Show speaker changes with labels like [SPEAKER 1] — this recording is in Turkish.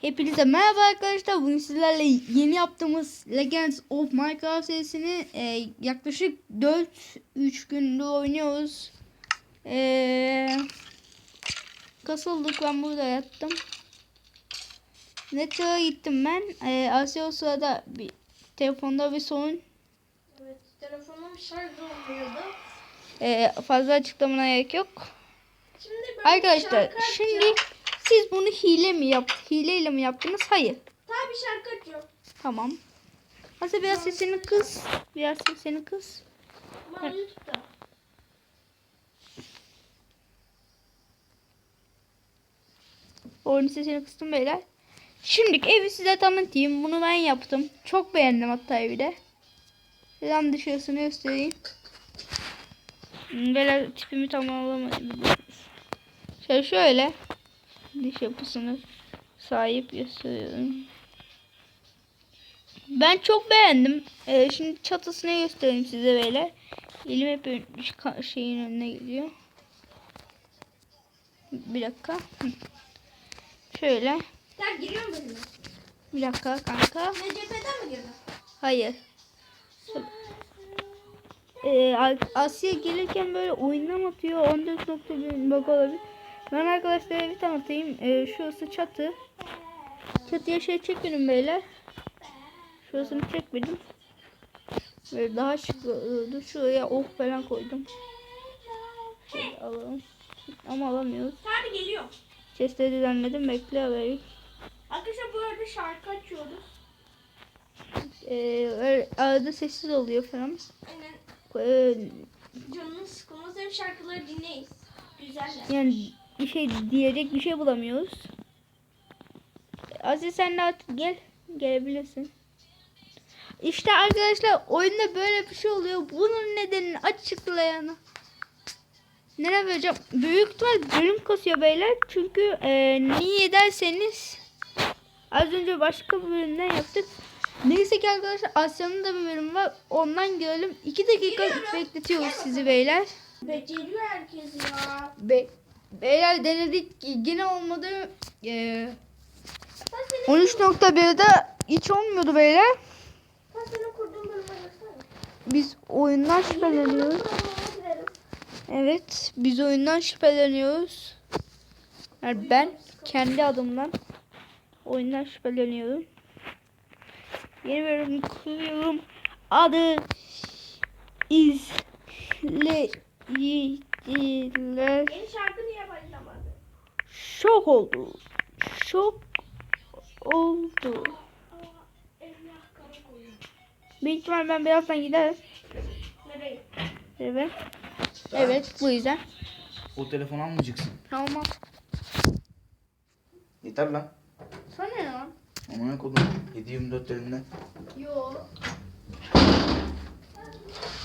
[SPEAKER 1] Hepinize merhaba arkadaşlar. Bugün sizlerle yeni yaptığımız Legends of Minecraft serisini yaklaşık 4-3 gündür oynuyoruz. Kasıldık, ben burada yattım. Netro'ya gittim ben. Asya o sırada telefonda bir sorun.
[SPEAKER 2] Evet, telefonum şarj olmuyordu.
[SPEAKER 1] Fazla açıklamana gerek yok.
[SPEAKER 2] Şimdi ben
[SPEAKER 1] Arkadaşlar şimdi siz bunu hileyle mi yaptınız? Hayır.
[SPEAKER 2] tabii şarkı açıyorum.
[SPEAKER 1] Tamam. Asya biraz sesini kıs. Biraz sesini kıs.
[SPEAKER 2] Ama YouTube'da.
[SPEAKER 1] Oyunun sesini kıstım beyler. Şimdi evi size tanıtayım. Bunu ben yaptım. Çok beğendim hatta evi de. Sizden dışarısını göstereyim. Böyle tipimi tamamlamadım. Şöyle dış yapısını sahip gösteriyorum. Ben çok beğendim. Şimdi çatısını göstereyim size böyle. Elim hep şeyin önüne geliyor. Bir dakika. Şöyle.
[SPEAKER 2] Sen giriyor musun?
[SPEAKER 1] Bir dakika kanka.
[SPEAKER 2] NCP'den mi girdin?
[SPEAKER 1] Hayır. Asya gelirken böyle oyundan atıyor. 14.1 bug olabilir. Ben arkadaşlara bir tanıtayım. Şurası çatı. Çatıya çekmedim beyler. Şurasını çekmedim. Böyle daha şık oldu. Şuraya ok falan koydum. Şöyle alalım. Ama alamıyoruz.
[SPEAKER 2] Tabii geliyor.
[SPEAKER 1] Chest'e düzenledim. Bekle alayım.
[SPEAKER 2] Arkadaşlar bu arada şarkı açıyoruz.
[SPEAKER 1] Arada sessiz oluyor falan.
[SPEAKER 2] Aynen.
[SPEAKER 1] Ee,
[SPEAKER 2] Canınız sıkılmaz, hem şarkıları dinleyiz. Güzeller.
[SPEAKER 1] Yani diyecek bir şey bulamıyoruz. Aziz sen de artık gelebilirsin. İşte arkadaşlar oyunda böyle bir şey oluyor. Bunun nedenini açıklayana. Nereye vereceğim? Büyük ihtimal bölüm kasıyor beyler. Çünkü niye derseniz az önce başka bir bölümden yaptık. Neyse ki arkadaşlar Asya'nın da bir bölümü var. Ondan görelim. 2 dakika bekletiyoruz sizi beyler.
[SPEAKER 2] Beceriyor herkes ya.
[SPEAKER 1] Beyler denedik. Yine olmadı. 13.1'de hiç olmuyordu beyler.
[SPEAKER 2] Ben senin kurduğun bölüme göster.
[SPEAKER 1] Biz oyundan şüpheleniyoruz. Evet, biz oyundan şüpheleniyoruz. Yani ben kendi adımdan oyundan şüpheleniyorum. Yeni bölüm kuruyorum. Adı izleyiciler.
[SPEAKER 2] Yeni şarkı niye başlamadı?
[SPEAKER 1] Şok oldu. Şok oldu. Büyük ihtimal ben birazdan giderim.
[SPEAKER 2] Nereye?
[SPEAKER 1] Evet. Evet, bu yüzden.
[SPEAKER 3] O telefonu almayacaksın.
[SPEAKER 1] Tamam.
[SPEAKER 3] Yeter lan.
[SPEAKER 1] Sana ne lan?
[SPEAKER 3] Amına kodum. 7/24 elimden.
[SPEAKER 1] Yo.